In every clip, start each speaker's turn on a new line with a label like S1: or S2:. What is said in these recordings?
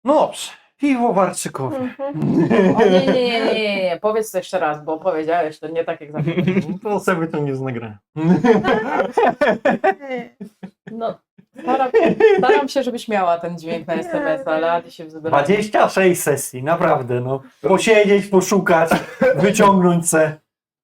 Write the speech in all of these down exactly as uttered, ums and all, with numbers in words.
S1: No dobrze, piwowarczykowie.
S2: O nie, nie, nie, nie, nie, nie, powiedz to jeszcze raz, bo powiedziałeś to nie tak jak zawsze.
S1: To sobie to nie znagrałem.
S2: No, staram, staram się, żebyś miała ten dźwięk na es em es, ale Adi się wzbrała.
S1: dwadzieścia sześć sesji, naprawdę, no. Posiedzieć, poszukać, wyciągnąć se.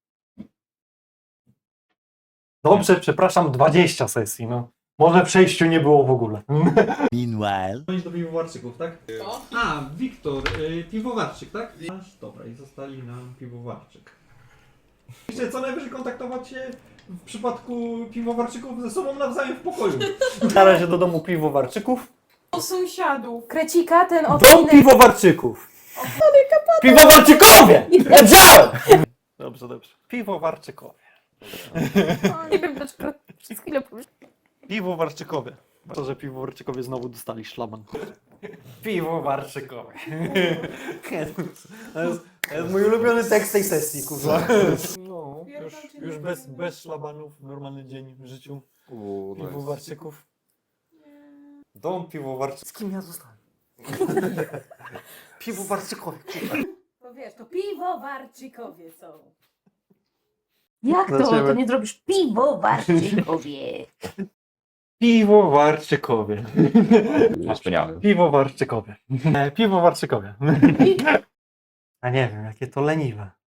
S1: Dobrze, przepraszam, dwadzieścia sesji, no. Może przejściu nie było w ogóle.
S3: Meanwhile.
S1: Do piwowarczyków, tak?
S2: Co?
S1: A, Wiktor, y, piwowarczyk, tak? Aż, dobra, i zostali nam piwowarczyk. Jeszcze co najwyżej kontaktować się w przypadku piwowarczyków ze sobą nawzajem w pokoju. Na razie do domu piwowarczyków.
S2: O sąsiadu, krecika ten
S1: Dom
S2: odcinek.
S1: piwowarczyków! Piwowarczykowie! Wiedziałem! Dobrze, dobrze. Piwowarczykowie.
S2: O, nie wiem dlaczego przez chwilę pomyślałam.
S1: Piwowarczykowie. To, że piwowarczykowie znowu dostali szlaban. Piwowarczykowie. To jest, to jest mój ulubiony tekst tej sesji, kurwa. No, już, już bez, bez szlabanów, normalny dzień w życiu piwowarczyków. Dom piwowarczyków. Z kim ja zostałem? Piwowarczykowie.
S2: No wiesz, to piwowarczykowie są. Jak to?
S1: Dlaczego?
S2: To nie zrobisz piwowarczykowie.
S1: Piwowarczykowie.
S4: Wspaniałe.
S1: Piwowarczykowie. E, Piwowarczykowie. A nie wiem, jakie to leniwe.